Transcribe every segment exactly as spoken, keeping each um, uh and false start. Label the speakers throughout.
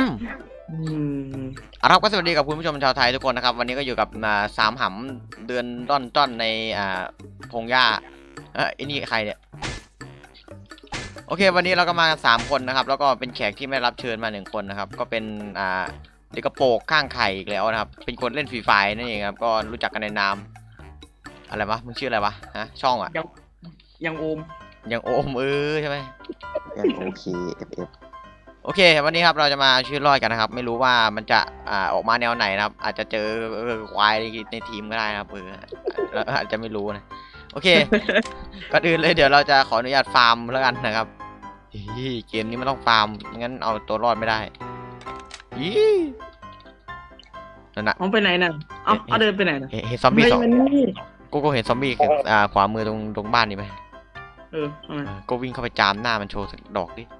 Speaker 1: เอาครับก็สวัสดีกับคุณผู้ชมชาวไทยทุกคนนะครับวันนี้ก็อยู่กับสามหำเดือนต้นต้นในอ่าพงหญ้าเออไอ้นี่ใครเนี่ยโอเควันนี้เราก็มากันสามคนนะครับแล้วก็เป็นแขกที่ไม่รับเชิญมาหนึ่งคนนะครับก็เป็นอ่าเด็กกระโปงข้างไข่อีกแล้วนะครับเป็นคนเล่นฟรีไฟนั่นเองครับก็รู้จักกันในนามอะไรวะมึงชื่ออะไรวะฮะช่องอ่ะ
Speaker 2: ยังยังโอม
Speaker 1: ยังโอมเออใช่ไหม
Speaker 3: ยังโอเคเอฟเอฟ
Speaker 1: โอเควันนี้ครับเราจะมาชื่อรอดกันนะครับไม่รู้ว่ามันจะอ่าออกมาแนวไหนนะครับอาจจะเจอควายในทีมก็ได้นะครับเออเราอาจจะไม่รู้นะโอเคก่อนอื่นเลยเดี๋ยวเราจะขออนุญาตฟาร์มแล้วกันนะครับเกมนี้มันต้องฟาร์มงั้นเอาตัวรอดไม่ได้ยี่นั่นน่ะ
Speaker 2: เอาไปไหนน่ะเอาเอาเดินไปไหนน่ะ
Speaker 1: เห็นซอมบี้สองกูก็เห็นซอมบี้อ่าขวามือตรงตรงบ้านนี่ไหม
Speaker 2: เออ
Speaker 1: ก็วิ่งเข้าไปจามหน้ามันโชว์สักดอกดิ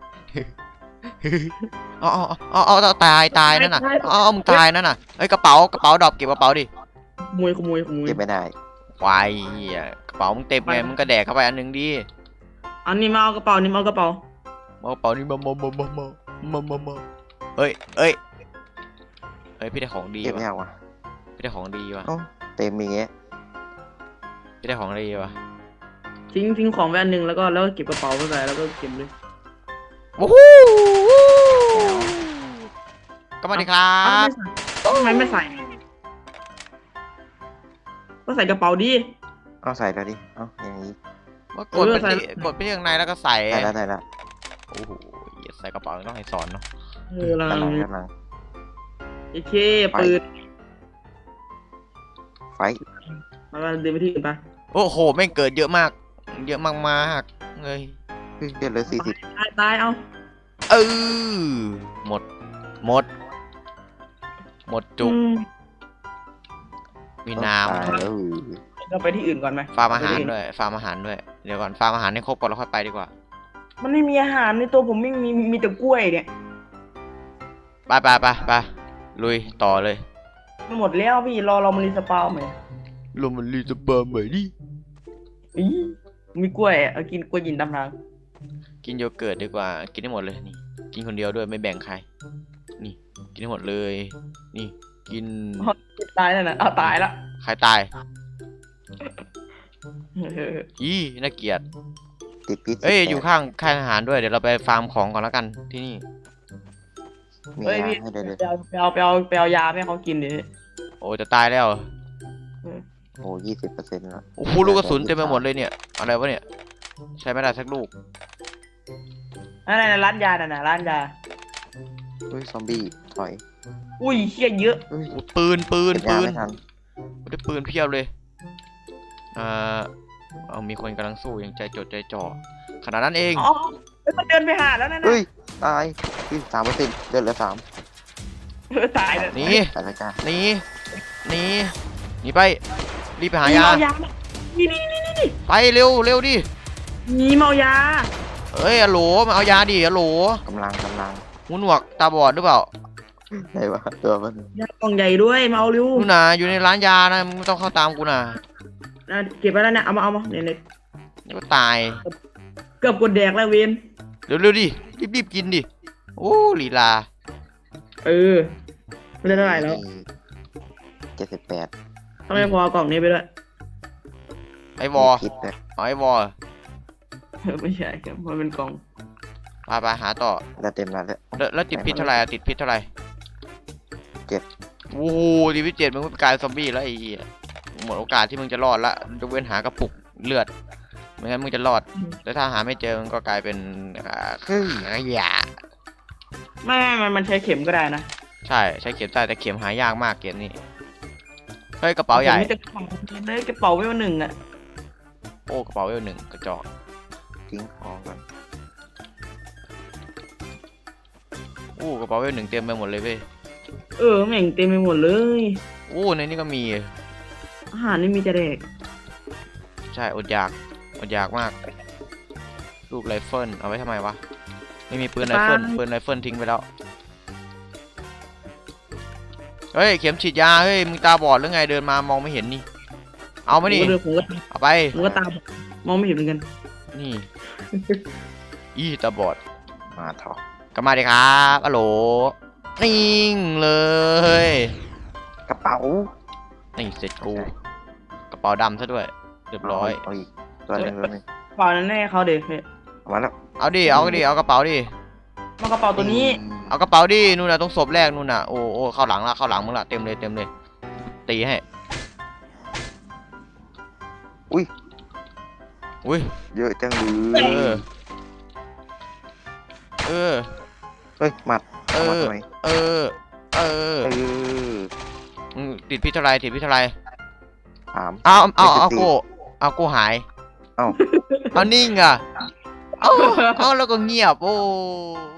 Speaker 1: อ๋ออ๋ออ๋อตายตายนั่นน่ะอ๋อมึงตายนั่นน่ะเฮ้ยกระเป๋ากระเป๋าดอกเก็บกระเป๋าดิ
Speaker 2: ขโมยขโมยขโมย
Speaker 3: เก็บไม่ได้
Speaker 1: ควายกระเป๋ามึงเต็มไงมึงก็แดกเข้าไปอันนึงดิ
Speaker 2: อันนี้มาเอากระเป๋านี่มาเอากระเป๋า
Speaker 1: เอากระเป๋านี่มามามามามามามามาเฮ้ยเฮ้ยเฮ้ยพี่ได้ของดี
Speaker 3: เก็บไม่เอาวะ
Speaker 1: พี่ได้ของดีวะ
Speaker 3: เต็มมีเงี้ย
Speaker 1: พี่ได้ของดีวะ
Speaker 2: ทิ้งทิ้งของไว้อันนึงแล้วก็แล้วก็เก็บกระเป๋าไปใส่แล้วก็เก็บเลย
Speaker 1: โอ้โหก็มาดิครับ
Speaker 2: ทำไมไม่ใส่ก็ใส่กระเป๋าดิ
Speaker 3: เอาใส่แล้วดิเอาอย่างนี้
Speaker 1: ว่ากดไปกดไปข้างในแล้วก็ใส่
Speaker 3: ใส่แล้วใส่แล้ว
Speaker 1: โอ้โหใส่กระเป๋าต้องให้สอนเนาะ
Speaker 2: เออลัง
Speaker 3: ลัง
Speaker 2: โอเคปืน
Speaker 3: ไฟ
Speaker 2: มาเดินไปที่อื่นไป
Speaker 1: โอ้โหแม่งเกิดเยอะมากเยอะมากมากเลย
Speaker 3: เกิดเลยสี่สิบ
Speaker 2: ตายตายเอา
Speaker 1: เออหมดหมดหมดจุกมีน้
Speaker 2: ำเราไปที่อื่นก่อนไหม
Speaker 1: ฟาร์มอาหารด้วยฟาร์มอาหารด้วยเดี๋ยวก่อนฟาร์มอาหารให้ครบก่อนแล้วค่อยไปดีกว่า
Speaker 2: มันไม่มีอาหารในตัวผมไม่มีมีแต่กล้วยเนี่ย
Speaker 1: ไปไปไปไปลุยต่อเลย
Speaker 2: มันหมดแล้วพี่รอเรามารีสปาวไหม
Speaker 1: เรามารีสปาวใหม่ดิ
Speaker 2: อีมีกล้วยเอากินกล้วยยินตำราง
Speaker 1: กินโยเกิร์ตดีกว่ากินได้หมดเลยนี่กินคนเดียวด้วยไม่แบ่งใครนี่กินได้หมดเลยนี่กิน
Speaker 2: ตายแล้วนะเอาตายละ
Speaker 1: ใครตายอีน่าเกลียด
Speaker 3: ติดพิษ
Speaker 1: เอ้ยอยู่ข้างค่ายอาหารด้วยเดี๋ยวเราไปฟาร์มของก่อนแล้วกันที่นี่
Speaker 2: เฮ้ยพี่ไปเอาไปเอาไปเอาไปเอายาให้เขากินดิ
Speaker 1: โอ้จะตายแล้ว
Speaker 3: โอ้ยี่สิบเปอร์เซ็นต์แล้ว
Speaker 1: โอ้โหลูกกระสุนเต็มไปหมดเลยเนี่ยอะไรวะเนี่ยใช้ไม่ได้สักลูก
Speaker 2: อะไรนะร้านยาน่ะนะร้านยา
Speaker 3: เฮ้ยซอมบี้ถอย
Speaker 2: อุ้ยเชี่ยเยอะ
Speaker 1: ปืนปืนปืนได้ปืนเพียบเลยอ่าเอามีคนกำลังสู้อย่างใจจดใจจ่อขนาดนั้นเอง
Speaker 2: อ๋อมันเดินไปหาแล้วนะ
Speaker 3: เฮ้ยตายสามเปอร์เซ็นต์เดินเหลือสาม
Speaker 2: ตายเลย
Speaker 1: นี่นี่นี่นี่ไปรีบไปหายา
Speaker 2: นี่นี่นี่นี่
Speaker 1: ไปเร็วเร็วดิ
Speaker 2: นี่เมายา
Speaker 1: เฮ้ยอะโหลมาเอายาดิอะโหล
Speaker 3: กำลังกำลัง
Speaker 1: หูหนวกตาบอดหรือเปล่า
Speaker 3: ใช่ปะตัวมัน
Speaker 2: ยากล่องใหญ่ด้วยมาเอาเร็ว
Speaker 1: นู่นน่ะอยู่ในร้านยานะไม่ต้องเข้าตามกูน่ะ
Speaker 2: เก็บไปแล้วเนี่ยเอามาเอามาเนี่ยเนี่ย
Speaker 1: ก็ตาย
Speaker 2: เกือบกดแดกแล้วเวน
Speaker 1: เร็วเร็วดิรีบรีบกินดิโอ้ลีลา
Speaker 2: เออไม่ได้เท่าไหร่แล้ว
Speaker 3: เจ็ดสิบแปด
Speaker 2: ทำไมพอกล่องนี้ไปด้วย
Speaker 1: ไอวอเอาไอวอ
Speaker 2: ไม่ใช่ครับมันเป็นกล่อง
Speaker 1: พาไปหาต่อ
Speaker 3: แล้วเต็มแล้ว
Speaker 1: แล้วแล้วติดพิษเท่าไหร่ติดพิษเท่าไหร่
Speaker 3: เจ็ด
Speaker 1: โอ้โหติดพิษเจ็ดมึงกลายซอมบี้แล้วไอ้หมดโอกาสที่มึงจะรอดละยกเว้นหากระปุกเลือดไม่งั้นมึงจะรอดแล้วถ้าหาไม่เจอมึงก็กลายเป็นคือไอ้ยา
Speaker 2: ไม่ไม่มันใช้เข็มก็ได้นะ
Speaker 1: ใช่ใช้เข็มได้แต่เข็มหายากมากเกมนี้เฮ้ยกระเป๋าใหญ่
Speaker 2: ได้กระเป๋าเวลหนึ่งอ่ะ
Speaker 1: โอ้กระเป๋าเวลหนึ่งกระจอก
Speaker 3: ทิ้งของกัน
Speaker 1: โอ้กระเป๋าเวลหนึ่งเต็มไปหมดเลยเว้ย
Speaker 2: เออแม่งเต็มไปหมดเลย
Speaker 1: โอ้ในนี้ก็มี
Speaker 2: อาหารนี่มีแต่เด็ก
Speaker 1: ใช่อดอยากอดอยากมากลูกไรเฟิลเอาไว้ทำไมวะไม่มีปืนไรเฟิลปืนไรเฟิลทิ้งไปแล้วเฮ้ยเข็มฉีดยาเฮ้ยมึงตาบอดหรือไงเดินมามองไม่เห็นนี่เอามาดิเอาไป
Speaker 2: มึงก็ตามองไม่เห็นเหมือนกัน
Speaker 1: นี่อีตาบอด
Speaker 3: มาถอด
Speaker 1: ก็มาดิครับฮัลโหลนิ่งเลย
Speaker 3: กระเป๋า
Speaker 1: นี่เสร็จกูกระเป๋าดำซะด้วยเรียบร้อย
Speaker 3: เอาอีกตัวหนึงตัวหนึง
Speaker 2: กระเป๋านั้นให้เขาเด็ก
Speaker 3: เอามาแล้ว
Speaker 1: เอาดิเอาดิเอากระเป๋าดิ
Speaker 2: มากระเป๋าตัวนี้
Speaker 1: เอากระเป๋าดินู่นน่ะตรงศพแรกนู่นน่ะโอ้โอ้เข้าหลังละเข้าหลังมึงละเต็มเลยเต็มเลยตีให้
Speaker 3: อุ้ย
Speaker 1: อุ้ย
Speaker 3: เยอะจังเล
Speaker 1: เอย อเออ
Speaker 3: เฮ้ยหมัด
Speaker 1: เอ
Speaker 3: เอามา
Speaker 1: อ
Speaker 3: ทำไม
Speaker 1: เออเออ
Speaker 3: เออ
Speaker 1: มึงติดพิษเท่าไรติดพิษเท่าไร
Speaker 3: ถาม
Speaker 1: เอาเอาเอา
Speaker 3: ไม่ติด
Speaker 1: กูเอากูหาย
Speaker 3: เอ้า
Speaker 1: เอานิ่งอ่ะเอาเอาแล้วก็เงียบโอ้